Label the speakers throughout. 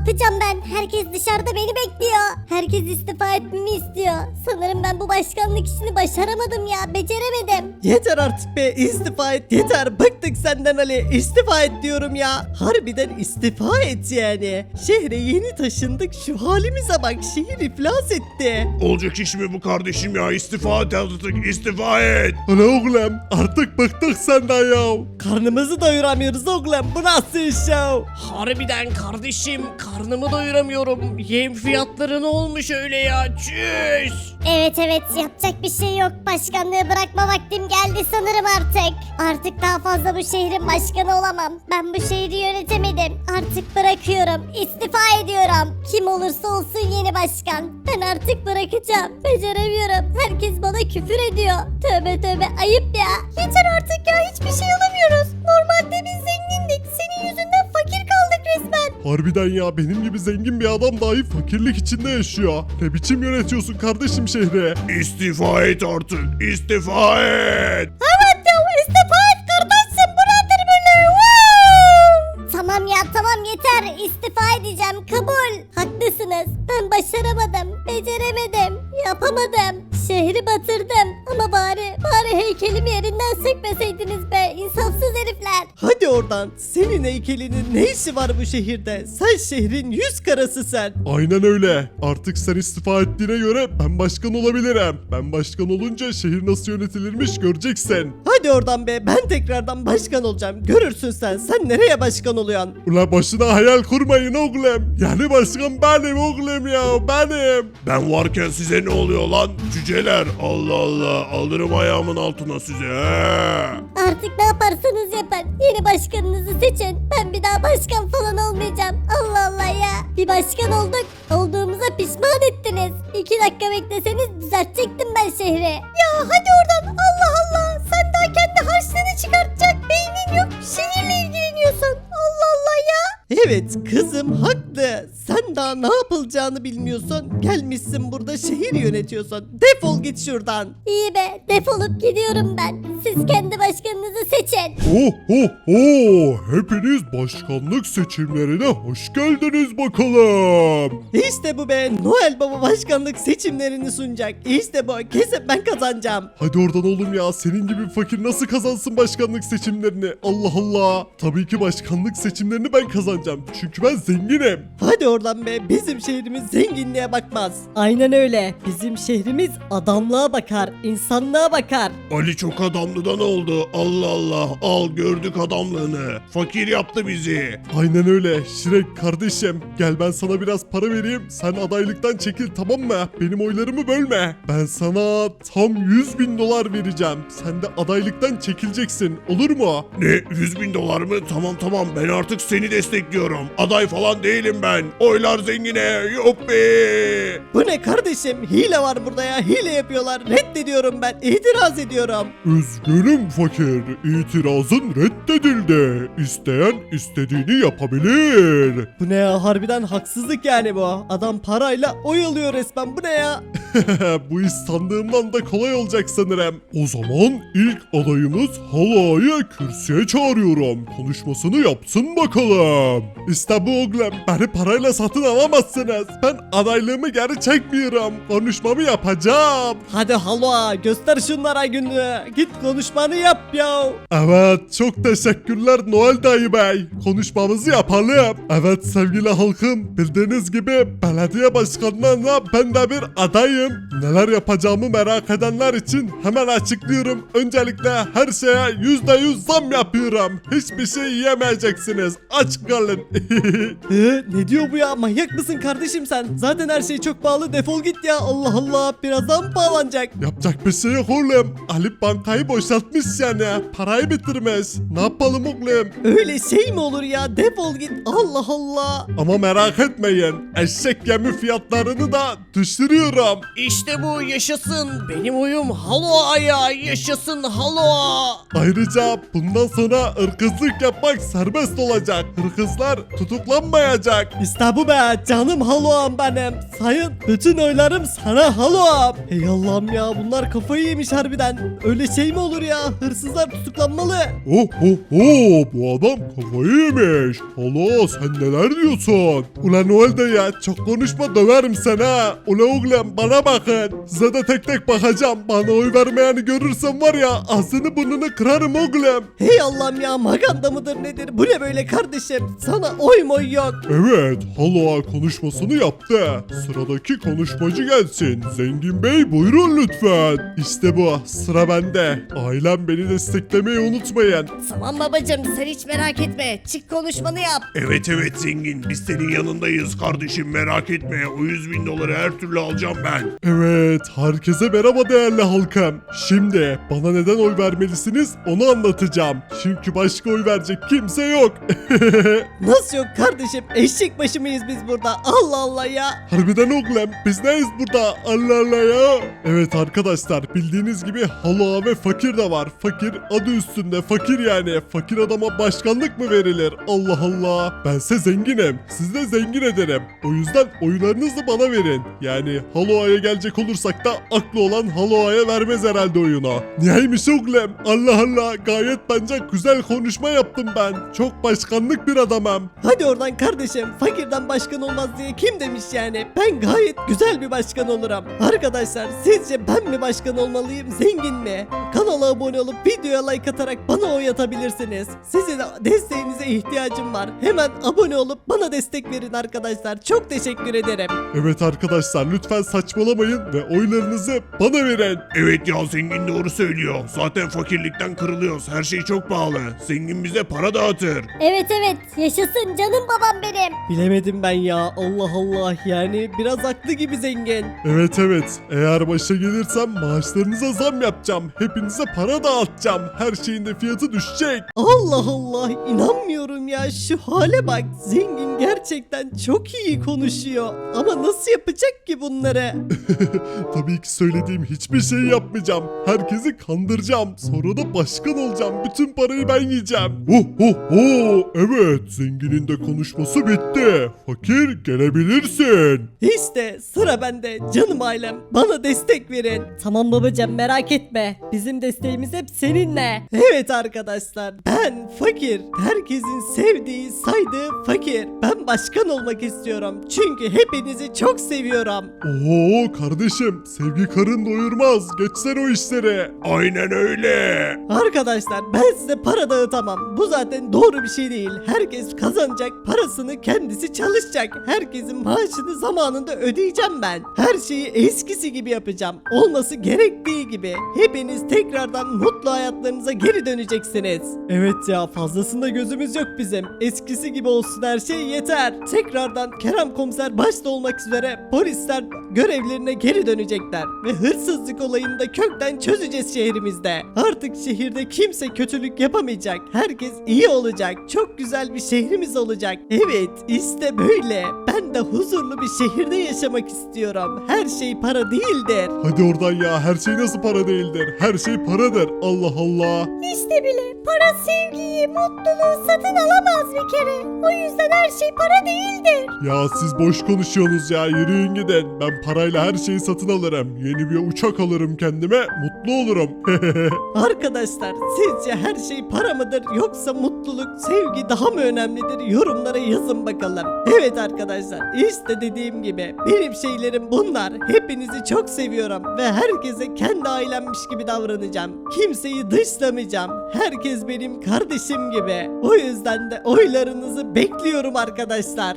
Speaker 1: yapacağım ben? Herkes dışarıda beni bekliyor. Herkes istifa etmemi istiyor. Sanırım ben bu başkanlık işini başaramadım ya. Beceremedim.
Speaker 2: Yeter artık be, istifa et yeter, bıktık senden Ali, istifa et diyorum ya. Harbiden istifa et yani. Şehre yeni taşındık, şu halimize bak, şehir iflas etti.
Speaker 3: Olacak iş mi bu kardeşim ya? İstifa et artık, istifa et.
Speaker 4: Ana oğlum artık bıktık senden ya.
Speaker 2: Karnımızı doyuramıyoruz oğlum, bu nasıl iş ya?
Speaker 5: Harbiden kardeşim karnımı doyuramıyorum. Yem fiyatları ne olmuş öyle ya? Çüş.
Speaker 1: Evet yapacak bir şey yok. Başkanlığı bırakma vaktim geldi sanırım artık. Artık daha fazla bu şehrin başkanı olamam. Ben bu şehri yönetemedim. Artık bırakıyorum. İstifa ediyorum. Kim olursa olsun yeni başkan. Ben artık bırakacağım. Beceremiyorum. Herkes bana küfür ediyor. Tövbe ayıp ya. Yeter artık ya, hiçbir şey alamıyoruz. Normalde biz zengindik. Senin yüzünden fakir kaldık resmen.
Speaker 4: Harbiden ya, benim gibi zengin bir adam dahi fakirlik içinde yaşıyor. Ne biçim yönetiyorsun kardeşim şehri?
Speaker 3: İstifa et artık, istifa et.
Speaker 1: Evet ya, istifa et kardeşim. Bu nedir böyle? Tamam ya, tamam yeter. İstifa edeceğim. Kabul. Haklısınız. Ben başaramadım. Beceremedim. Yapamadım. Şehri batırdım. Ama bari heykelimi yerinden sökmeseydiniz be. İnsafsız herifler.
Speaker 2: Hadi oradan, senin heykelinin ne işi var bu şehirde? Sen şehrin yüz karası sen.
Speaker 4: Aynen öyle. Artık sen istifa ettiğine göre ben başkan olabilirim. Ben başkan olunca şehir nasıl yönetilirmiş göreceksin.
Speaker 2: Hadi oradan be, ben tekrardan başkan olacağım. Görürsün sen nereye başkan oluyorsun?
Speaker 4: Ula başına hayal kurmayın oğlum. Yani başkan benim oğlum ya, benim.
Speaker 3: Ben varken size ne oluyor lan? Cüceler, Allah Allah, alırım ayağımın altına size. He.
Speaker 1: Artık ne yaparsanız yapın. Yeni başkanınızı seçin. Ben bir daha başkan falan olmayacağım. Allah Allah ya. Bir başkan olduk. Olduğumuza pişman ettiniz. 2 dakika bekleseniz düzeltecektim ben şehri. Ya hadi oradan. Allah Allah. Sen daha kendi harçlığını çıkartacak beynin yok. Şehirle ilgileniyorsun. Allah Allah ya.
Speaker 2: Evet kızım haklı. Sen daha ne yapılacağını bilmiyorsun. Gelmişsin burada şehir yönetiyorsun. Defol git şuradan.
Speaker 1: İyi be. Defolup gidiyorum ben. Siz kendi başkanınızı seçin.
Speaker 4: Hepiniz başkanlık seçimlerine hoş geldiniz bakalım.
Speaker 2: İşte bu be, Noel Baba başkanlık seçimlerini sunacak. İşte bu, kesin ben kazanacağım.
Speaker 4: Hadi oradan oğlum ya, senin gibi bir fakir nasıl kazansın başkanlık seçimlerini? Allah Allah. Tabii ki başkanlık seçimlerini ben kazanacağım. Çünkü ben zenginim.
Speaker 2: Hadi oradan be, bizim şehrimiz zenginliğe bakmaz. Aynen öyle, bizim şehrimiz adamlığa bakar, insanlığa bakar.
Speaker 3: Ali çok adamlıdan oldu. Allah Allah, al gördük adamlığını. Fakir yaptı bizi.
Speaker 4: Aynen öyle. Şirek kardeşim, gel ben sana biraz para vereyim. Sen adaylıktan çekil, tamam mı? Benim oylarımı bölme. Ben sana tam 100.000 dolar vereceğim. Sen de adaylıktan çekileceksin. Olur mu?
Speaker 3: Ne, 100.000 dolar mı? Tamam, ben artık seni destekliyorum. Aday falan değilim ben. Oylar zengine, yuppi.
Speaker 2: Bu ne kardeşim, hile var burada ya, hile yapıyorlar. Reddediyorum ben, itiraz ediyorum.
Speaker 4: Üzgünüm fakir. İtirazın reddedildi. İsteyen istediğini yapabilir.
Speaker 2: Bu ne ya, harbiden haksızlık yani bu. Adam parayla oy alıyor resmen, bu ne ya?
Speaker 4: Bu iş sandığımdan da kolay olacak sanırım. O zaman ilk adayımız Halay'ı kürsüye çağırıyorum. Konuşmasını yapsın bakalım. İşte bu oğlum. Beni parayla satın alamazsınız. Ben adaylığımı geri çekmiyorum. Konuşmamı yapacağım.
Speaker 2: Hadi halva, göster şunlara günü. Git konuşmanı yap ya.
Speaker 4: Evet, çok teşekkürler Noel dayı bey. Konuşmamızı yapalım. Evet sevgili halkım, bildiğiniz gibi belediye başkanlığına ben de bir adayım. Neler yapacağımı merak edenler için hemen açıklıyorum. Öncelikle her şeye %100 zam yapıyorum. Hiçbir şey yiyemeyeceksiniz. Aç kalın.
Speaker 2: Ne diyor bu ya, manyak mısın kardeşim sen? Zaten her şey çok pahalı, defol git ya. Allah Allah, birazdan mı pahalanacak?
Speaker 4: Yapacak bir şey yok oğlum. Ali bankayı boşaltmış yani. Parayı bitirmiş. Ne yapalım oğlum?
Speaker 2: Öyle şey mi olur ya, defol git. Allah Allah.
Speaker 4: Ama merak etmeyin. Eşek yemi fiyatlarını da düşürüyorum.
Speaker 5: İşte bu yaşasın. Benim oyum Haloa'ya. Yaşasın Haloa.
Speaker 4: Ayrıca bundan sonra ırkızlık yapmak serbest olacak. Hırkızlar hırsızlar tutuklanmayacak.
Speaker 2: İşte bu be canım Halo'am benim. Sayın bütün oylarım sana Halo'am. Hey Allah'ım ya bunlar kafayı yemiş harbiden. Öyle şey mi olur ya? Hırsızlar tutuklanmalı.
Speaker 4: Oh oh oh, bu adam kafayı yemiş. Hala sen neler diyorsun? Ulan Noel dayı ya, çok konuşma döverim seni ha. Ulan oğlum bana bakın. Size de tek tek bakacağım. Bana oy vermeyeni görürsem var ya ağzını burnunu kırarım oğlum.
Speaker 2: Hey Allah'ım ya maganda mıdır nedir? Bu ne böyle kardeşim? Sana oy moy yok.
Speaker 4: Evet, Halo konuşmasını yaptı. Sıradaki konuşmacı gelsin. Zengin Bey buyurun lütfen. İşte bu, sıra bende. Ailem beni desteklemeyi unutmayın.
Speaker 1: Tamam babacım sen hiç merak etme. Çık konuşmanı yap.
Speaker 3: Evet evet zengin biz senin yanındayız kardeşim merak etme. O 100.000 doları her türlü alacağım ben.
Speaker 4: Evet, herkese merhaba değerli halkım. Şimdi bana neden oy vermelisiniz onu anlatacağım. Çünkü başka oy verecek kimse yok.
Speaker 2: Nasıl yok kardeşim? Eşek başı mıyız biz burada? Allah Allah ya.
Speaker 4: Harbiden oğlum biz neyiz burada? Allah Allah ya. Evet arkadaşlar bildiğiniz gibi Halo ve fakir de var. Fakir adı üstünde fakir yani. Fakir adama başkanlık mı verilir? Allah Allah. Bense zenginim. Siz de zengin ederim. O yüzden oylarınızı bana verin. Yani Halo'ya gelecek olursak da aklı olan Halo'ya vermez herhalde oyunu. Niyeymiş oğlum? Allah Allah gayet bence güzel konuşma yaptım ben. Çok başkanlık bir adamım.
Speaker 2: Hadi oradan kardeşim. Fakirden başkan olmaz diye kim demiş yani? Ben gayet güzel bir başkan olurum. Arkadaşlar sizce ben mi başkan olmalıyım zengin mi? Kanala abone olup videoya like atarak bana oy atabilirsiniz. Sizin desteğinize ihtiyacım var. Hemen abone olup bana destek verin arkadaşlar. Çok teşekkür ederim.
Speaker 4: Evet arkadaşlar lütfen saçmalamayın ve oylarınızı bana verin.
Speaker 3: Evet ya zengin doğru söylüyor. Zaten fakirlikten kırılıyoruz. Her şey çok pahalı. Zengin bize para dağıtır.
Speaker 1: Evet yaşasın canım babam benim.
Speaker 2: Bilemedim ben ya. Allah Allah. Yani biraz haklı gibi zengin.
Speaker 4: Evet eğer başa gelirsem maaşlarınıza zam yapacağım. Hepinize para dağıtacağım. Her şeyin de fiyatı düşecek.
Speaker 2: Allah Allah. İnanmıyorum ya. Şu hale bak. Zengin gerçekten çok iyi konuşuyor. Ama nasıl yapacak ki bunları?
Speaker 4: Tabii ki söylediğim hiçbir şey yapmayacağım. Herkesi kandıracağım. Sonra da başkan olacağım. Bütün parayı ben yiyeceğim. Evet zenginin de konuşması bitti. Fakir gelebilirsin.
Speaker 2: İşte sıra bende canım ailem bana destek verin.
Speaker 1: Tamam babacım merak etme. Bizim desteğimiz hep seninle.
Speaker 2: Evet arkadaşlar ben fakir. Herkesin sevdiği saydığı fakir. Ben başkan olmak istiyorum. Çünkü hepinizi çok seviyorum.
Speaker 4: Oo kardeşim sevgi karın doyurmaz. Geçsen o işleri.
Speaker 3: Aynen öyle.
Speaker 2: Arkadaşlar ben size para dağıtamam. Bu zaten doğru bir şey değil. Herkes kazanacak parasını kendisi çalışacak. Herkesin maaşını zamanında ödeyeceğim ben. Her şeyi eskisi gibi yapacağım. Olması gerektiği gibi. Hepiniz tekrardan mutlu hayatlarınıza geri döneceksiniz. Evet ya fazlasında gözümüz yok bizim. Eskisi gibi olsun her şey yeter. Tekrardan Kerem Komiser başta olmak üzere polisler görevlerine geri dönecekler. Ve hırsızlık olayını da kökten çözeceğiz şehrimizde. Artık şehirde kimse kötülük yapamayacak. Herkes iyi olacak. Çok güzel bir şehrimiz olacak. Evet işte böyle. Ben de huzurlu bir şehirde yaşamak istiyorum. Her şey para değildir.
Speaker 4: Hadi oradan ya her şey nasıl para değildir. Her şey paradır. Allah Allah.
Speaker 1: İşte bile para sevgiyi, mutluluğu satın alamaz bir kere. O yüzden her şey para değildir.
Speaker 4: Ya siz boş konuşuyorsunuz ya yürüyün gidin. Ben parayla her şeyi satın alırım. Yeni bir uçak alırım kendime mutlu olurum.
Speaker 2: Arkadaşlar sizce her şey para mıdır yoksa mutluluk, sevgi daha mı önemlidir? Yorumlara yazın bakalım. Evet arkadaşlar işte dediğim gibi benim şeylerim bunlar. Hepinizi çok seviyorum ve herkese kendi ailemmiş gibi davranacağım. Kimseyi dışlamayacağım. Herkes benim kardeşim gibi. O yüzden de oylarınızı bekliyorum arkadaşlar.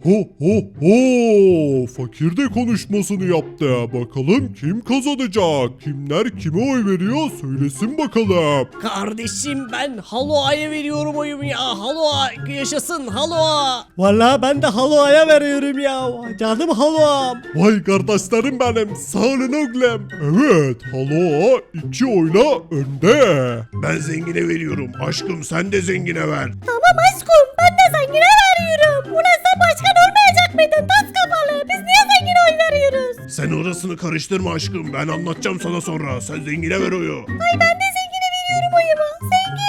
Speaker 4: Fakir de konuşmasını yaptı. Bakalım kim kazanacak? Kimler kime oy veriyor söylesin bakalım.
Speaker 5: Kardeşim ben Halo'ya veriyorum oyumu ya. Halo yaşasın Halo.
Speaker 2: Vallahi ben de Halo'ya veriyorum ya. Canım Halo'm.
Speaker 4: Vay kardeşlerim benim sağ olun oğlum. Evet Halo 2 oyla önde.
Speaker 3: Ben zengine veriyorum. Aşkım sen de zengine ver.
Speaker 1: Tamam aşkım ben de zengine veriyorum. Ulan sen başkan olmayacak mıydın? Tas kafalı. Biz niye zengine oy veriyoruz?
Speaker 3: Sen orasını karıştırma aşkım. Ben anlatacağım sana sonra. Sen zengine ver oyu.
Speaker 1: Ay ben de zengine veriyorum oyumu. Zengin.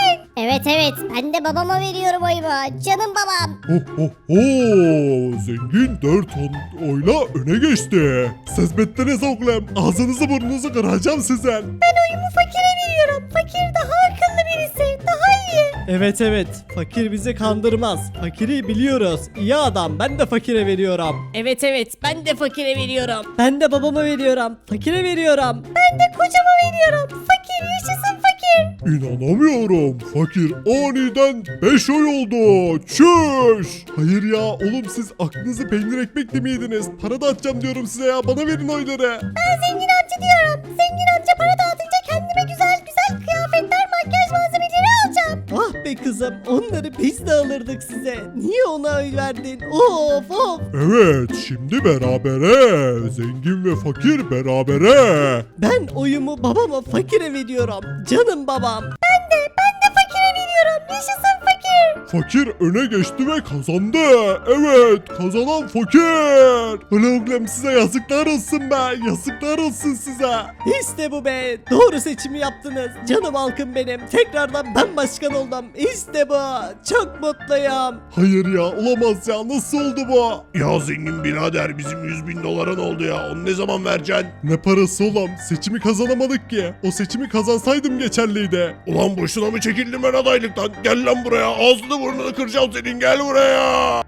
Speaker 1: Evet ben de babama veriyorum oyumu. Canım babam.
Speaker 4: Ho ho ho! Zengin 4 oyla öne geçti. Siz bittiniz oğlum. Ağzınızı burnunuzu kıracağım sizin.
Speaker 1: Ben oyumu fakire veriyorum. Fakir daha akıllı birisi. Daha iyi.
Speaker 2: Evet fakir bizi kandırmaz. Fakiri biliyoruz. İyi adam, ben de fakire veriyorum.
Speaker 5: Evet ben de fakire veriyorum.
Speaker 2: Ben de babama veriyorum. Fakire veriyorum.
Speaker 1: Ben de kocama veriyorum. Fakir yaşasın fakir.
Speaker 4: İnanamıyorum. Fakir aniden 5 oy oldu. Çüş. Hayır ya oğlum siz aklınızı peynir ekmekle mi yediniz? Para dağıtacağım diyorum size ya. Bana verin oyları.
Speaker 1: Ben zengin amca diyorum. Zengin amca para dağıtınca kendime güzel kıyafetler, makyaj malzemeleri alacağım.
Speaker 2: Ah be kızım, onları biz de alırdık size. Niye ona oy verdin? Of.
Speaker 4: Evet şimdi berabere. Zengin ve fakir berabere.
Speaker 2: Ben oyumu babama, fakire veriyorum. Canım babam.
Speaker 1: Ben de fakire veriyorum. Yaşasın fakir.
Speaker 4: Fakir öne geçti ve kazandı. Evet kazanan fakir. Ulan oğlum size yazıklar olsun be. Yazıklar olsun size.
Speaker 2: İşte bu be. Doğru seçimi yaptınız. Canım halkım benim. Tekrardan ben başkan oldum. İşte bu. Çok mutluyum.
Speaker 4: Hayır ya olamaz ya nasıl oldu bu?
Speaker 3: Ya zengin birader bizim 100.000 doların oldu ya. Onu ne zaman vereceksin?
Speaker 4: Ne parası oğlum seçimi kazanamadık ki. O seçimi kazansaydım geçerliydi.
Speaker 3: Ulan boşuna mı çekildim ben adaylıktan? Gel lan buraya. Ağzını burnunu kıracağım senin. Gel buraya.